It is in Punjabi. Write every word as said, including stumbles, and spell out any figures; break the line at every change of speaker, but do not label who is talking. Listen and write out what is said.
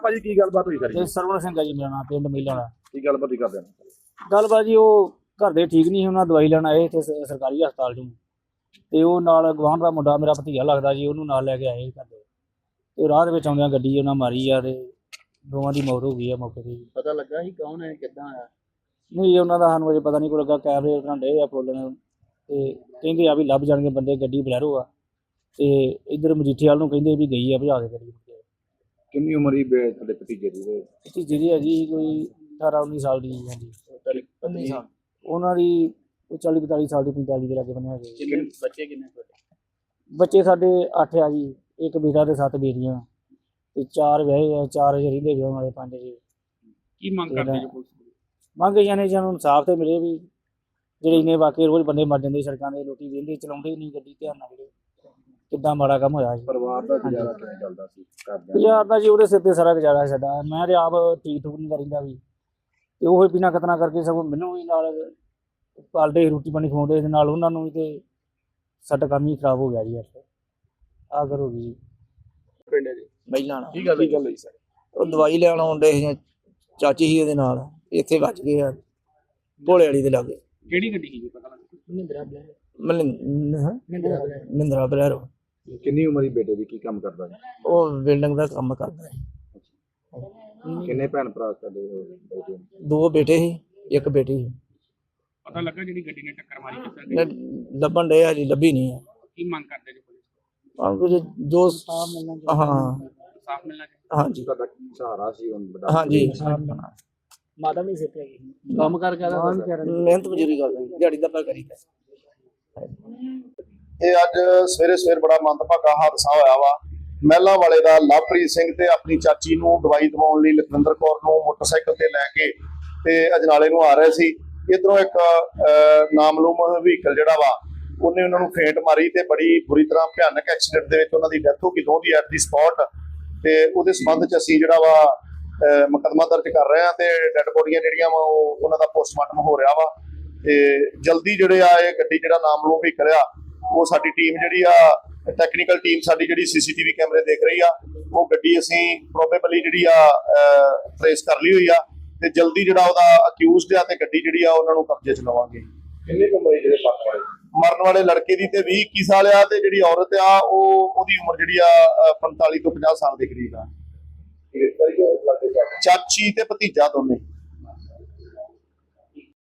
ਭਾਜੀ ਕੀ ਗੱਲਬਾਤ ਹੋਈ ਸਾਰੀ?
ਸਰਵਣ ਸਿੰਘ ਆ ਜੀ ਮੇਰਾ ਨਾਮ, ਪਿੰਡ ਮੀਲਾਂ ਦਾ।
ਕੀ ਗੱਲਬਾਤ ਹੀ ਕਰਦੇ ਨੇ?
ਗੱਲਬਾਤ ਜੀ ਉਹ ਘਰ ਦੇ ਠੀਕ ਨਹੀਂ, ਉਹਨਾਂ ਦਵਾਈ ਲੈਣ ਆਏ ਇੱਥੇ ਸ- ਸਰਕਾਰੀ ਹਸਪਤਾਲ 'ਚੋਂ, ਤੇ ਉਹ ਨਾਲ ਗੁਆਂਢ ਦਾ ਮੁੰਡਾ ਮੇਰਾ ਭਤੀਜਾ ਲੱਗਦਾ ਜੀ, ਉਹਨੂੰ ਨਾਲ ਲੈ ਕੇ ਆਏ ਘਰ ਦੇ, ਤੇ ਰਾਹ ਦੇ ਵਿੱਚ ਆਉਂਦਿਆਂ ਗੱਡੀ ਉਹਨਾਂ ਮਾਰੀ ਆ, ਤੇ ਦੋਵਾਂ ਦੀ ਮੌਤ ਹੋ ਗਈ ਆ ਮੌਕੇ ਤੇ।
ਪਤਾ ਲੱਗਾ ਸੀ ਕੌਣ ਹੈ, ਕਿੱਦਾਂ ਆਇਆ?
ਨਹੀਂ ਉਹਨਾਂ ਦਾ ਸਾਨੂੰ ਅਜੇ ਪਤਾ ਨਹੀਂ ਕੋਈ ਲੱਗਾ, ਕੈਮਰੇ ਉਹਨਾਂ ਡੇ ਆ ਫੋਲਣ, ਤੇ ਕਹਿੰਦੇ ਆ ਵੀ ਲੱਭ ਜਾਣਗੇ ਬੰਦੇ, ਗੱਡੀ ਬਲੈਰੋ ਆ, ਤੇ ਇੱਧਰ ਮਜੀਠੇ ਵਾਲ ਨੂੰ ਕਹਿੰਦੇ ਵੀ ਗਈ ਆ ਭਜਾ ਕੇ ਗੱਡੀ।
ਕਿੰਨੀ ਉਮਰ ਹੀ ਤੁਹਾਡੇ ਭਤੀਜੇ ਦੀ?
ਭਤੀਜੇ ਦੀ ਹੈਗੀ ਕੋਈ ਅਠਾਰਾਂ ਉੱਨੀ ਸਾਲ ਦੀ। ਹਾਂਜੀ
ਉੱਨੀ ਸਾਲ।
ਉਹਨਾਂ ਦੀ ਕੋਈ ਚਾਲੀ ਪੰਤਾਲੀ ਸਾਲ ਦੀ, ਪੰਤਾਲੀ ਦੇ ਲਾਗੇ ਬੰਨੇ ਹੈਗੇ।
ਕਿੰਨੇ ਬੱਚੇ ਕਿੰਨੇ ਤੁਹਾਡੇ?
ਬੱਚੇ ਸਾਡੇ ਅੱਠ ਆ ਜੀ, ਇੱਕ ਬੇਟਾ ਤੇ ਸੱਤ ਬੇਟੀਆਂ, ਤੇ ਚਾਰ ਵਿਆਹੇ ਆ, ਚਾਰ ਰਹਿੰਦੇ ਵਿਆਹ ਵਾਲੇ, ਪੰਜ ਜੀ।
ਕੀ ਮੰਗ ਕਰਦੇ ਜੋ ਪੁਲਿਸ ਕੋਲ?
ਮੰਗ ਜਾਣੇ ਸਾਨੂੰ ਇਨਸਾਫ ਤੇ ਮਿਲੇ ਵੀ, ਜਿਹੜੇ ਇੰਨੇ ਵਾਕਈ ਰੋਜ਼ ਬੰਦੇ ਮਰ ਜਾਂਦੇ ਸੜਕਾਂ ਦੇ, ਲੋਕੀ ਵੇਂਦੇ ਚਲਾਉਂਦੇ ਨਹੀਂ ਗੱਡੀ, ਧਿਆਨ ਨਾਲ ਵੀਰੇ, ਕਿੱਦਾਂ ਮਾੜਾ ਕੰਮ ਹੋਇਆ ਜੀ।
ਪਰਿਵਾਰ ਦਾ ਗੁਜ਼ਾਰਾ ਕਿਵੇਂ ਚੱਲਦਾ ਸੀ ਘਰਦਿਆਂ ਦਾ?
ਗੁਜ਼ਾਰ ਦਾ ਜੀ ਉਹਦੇ ਸਿਰ ਤੇ ਸਾਰਾ ਗੁਜ਼ਾਰਾ ਸਾਡਾ। ਮੈਂ ਤੇ ਆਪ ਠੀਕ ਠੂਕ ਨਹੀਂ ਕਰੀਂਦਾ ਵੀ, ਤੇ ਉਹ ਬਿਨਾਂ ਕਤਨਾ ਕਰਕੇ ਸਗੋਂ ਮੈਨੂੰ ਵੀ ਨਾਲ ਪਾਲਦੇ, ਰੋਟੀ ਪਾਣੀ ਖਵਾਉਂਦੇ, ਦੇ ਨਾਲ ਉਹਨਾਂ ਨੂੰ ਵੀ, ਤੇ ਸਾਡਾ ਕੰਮ ਹੀ ਖਰਾਬ ਹੋ ਗਿਆ ਜੀ। ਆ ਕਰ ਹੋ ਗਈ
ਪਿੰਡ ਜੀ
ਮਹਿਲਾਂ
ਕੀ ਗੱਲ ਕੀ ਗੱਲ ਹੋਈ ਸਰ?
ਉਹ ਦਵਾਈ ਲੈਣ ਆਉਂਦੇ ਸੀ, ਚਾਚੀ ਸੀ ਉਹਦੇ ਨਾਲ, ਇੱਥੇ ਵੱਜ ਗਏ ਆ ਭੋਲੇ ਵਾਲੀ ਦੇ ਲਾਗੇ।
ਕਿਹੜੀ ਗੱਡੀ ਸੀ ਪਤਾ ਲੱਗਾ?
ਮਹਿੰਦਰਾ ਬਲੈਰੋ।
ਮਹਿੰਦਰਾ ਮਹਿੰਦਰਾ ਬਲੈਰੋ।
ਕਿੰਨੀ ਉਮਰ ਹੀ ਬੇਟੇ ਦੀ? ਕੀ ਕੰਮ ਕਰਦਾ ਜੀ?
ਉਹ ਬਿਲਡਿੰਗ ਦਾ ਕੰਮ ਕਰਦਾ ਹੈ।
ਕਿੰਨੇ ਭੈਣ ਭਰਾ ਤੁਹਾਡੇ ਬੇਟੇ ਨੂੰ?
ਦੋ ਬੇਟੇ ਸੀ, ਇੱਕ ਬੇਟੀ ਸੀ।
ਪਤਾ ਲੱਗਾ ਜਿਹੜੀ ਗੱਡੀ ਨੇ ਟੱਕਰ ਮਾਰੀ ਕਿੱਦਾਂ ਦੀ?
ਲ- ਲੱਭਣ ਡਏ ਆ ਜੀ, ਲੱਭੀ ਨਹੀਂ ਹੈ।
ਕੀ ਮੰਗ ਕਰਦੇ ਜੋ ਪੁਲਿਸ ਕੋਲ?
ਆਹ ਕੁਝ ਜੋ ਹਾਂ
ਸਾਫ਼ ਮਿਲਣਾ ਚਾਹੀਦਾ।
ਹਾਂਜੀ
ਤੁਹਾਡਾ ਸਹਾਰਾ ਸੀ ਹੁਣ ਵੱਡਾ?
ਹਾਂਜੀ।
ਮਾਤਾ ਵੀ ਸਿੱਖ ਗਈ
ਕੰਮ ਕਰ ਕਰ
ਮਿਹਨਤ ਮਜ਼ਦੂਰੀ ਕਰਦੇ, ਦਿਹਾੜੀ ਦਾ ਪਾ ਕਰੀਦਾ।
ਇਹ ਅੱਜ ਸਵੇਰੇ ਸਵੇਰ ਬੜਾ ਮੰਦਭਾਗਾ ਹਾਦਸਾ ਹੋਇਆ ਵਾ। ਮਹਿਲਾ ਵਾਲੇ ਦਾ ਲਵਪ੍ਰੀਤ ਸਿੰਘ ਤੇ ਆਪਣੀ ਚਾਚੀ ਨੂੰ ਦਵਾਈ ਦਿਵਾਉਣ ਲਈ ਲਖਵਿੰਦਰ ਕੌਰ ਨੂੰ ਮੋਟਰਸਾਈਕਲ ਤੇ ਲੈ ਕੇ ਤੇ ਅਜਨਾਲੇ ਨੂੰ ਆ ਰਹੇ ਸੀ। ਇਧਰੋਂ ਇੱਕ ਨਾਮਲੂਮ ਵਹੀਕਲ ਜਿਹੜਾ ਵਾ ਉਹਨੇ ਉਹਨਾਂ ਨੂੰ ਫੇਂਟ ਮਾਰੀ ਤੇ ਬੜੀ ਬੁਰੀ ਤਰ੍ਹਾਂ ਭਿਆਨਕ ਐਕਸੀਡੈਂਟ ਦੇ ਵਿੱਚ ਉਹਨਾਂ ਦੀ ਡੈਥ ਹੋ ਗਈ, ਦੋਹਾਂ ਦੀ ਐਟ ਦੀ ਸਪੌਟ। ਤੇ ਉਹਦੇ ਸੰਬੰਧ ਚ ਅਸੀਂ ਜਿਹੜਾ ਵਾ ਮੁਕੱਦਮਾ ਦਰਜ ਕਰ ਰਹੇ ਹਾਂ, ਤੇ ਡੈਡ ਬੋਡੀਆਂ ਜਿਹੜੀਆਂ ਵਾ ਉਹ ਉਹਨਾਂ ਦਾ ਪੋਸਟਮਾਰਟਮ ਹੋ ਰਿਹਾ ਵਾ। ਤੇ ਜਲਦੀ ਜਿਹੜੇ ਆ ਇਹ ਗੱਡੀ ਜਿਹੜਾ ਨਾਮਲੂਮ ਵਹੀਕਲ ਆ, ਉਹ ਸਾਡੀ ਟੀਮ ਜਿਹੜੀ ਆ ਟੈਕਨੀਕਲ ਟੀਮ ਸਾਡੀ ਜਿਹੜੀ ਸੀਸੀਟੀਵੀ ਕੈਮਰੇ ਦੇਖ ਰਹੀ ਆ, ਉਹ ਗੱਡੀ ਅਸੀਂ ਪ੍ਰੋਬੇਬਲੀ ਜਿਹੜੀ ਆ ਟ੍ਰੇਸ ਕਰ ਲਈ ਹੋਈ ਆ, ਤੇ ਜਲਦੀ ਜਿਹੜਾ ਉਹਦਾ ਅਕਿਊਜ਼ਡ ਆ ਤੇ ਗੱਡੀ ਜਿਹੜੀ ਆ ਉਹਨਾਂ ਨੂੰ ਕਬਜ਼ੇ ਚ ਲਵਾਂਗੇ।
ਕਿੰਨੇ ਉਮਰ ਹੀ ਜਿਹੜੇ ਮਰਨ ਵਾਲੇ?
ਮਰਨ ਵਾਲੇ ਲੜਕੇ ਦੀ ਤੇ ਵੀਹ ਇੱਕੀ ਸਾਲ ਆ, ਤੇ ਜਿਹੜੀ ਔਰਤ ਆ ਉਹ ਉਹਦੀ ਉਮਰ ਜਿਹੜੀ ਆ ਪੰਤਾਲੀ ਤੋਂ ਪੰਜਾਹ ਸਾਲ ਦੇ ਕਰੀਬ ਆ। ਚਾਚੀ ਤੇ ਭਤੀਜਾ ਦੋਨੇ।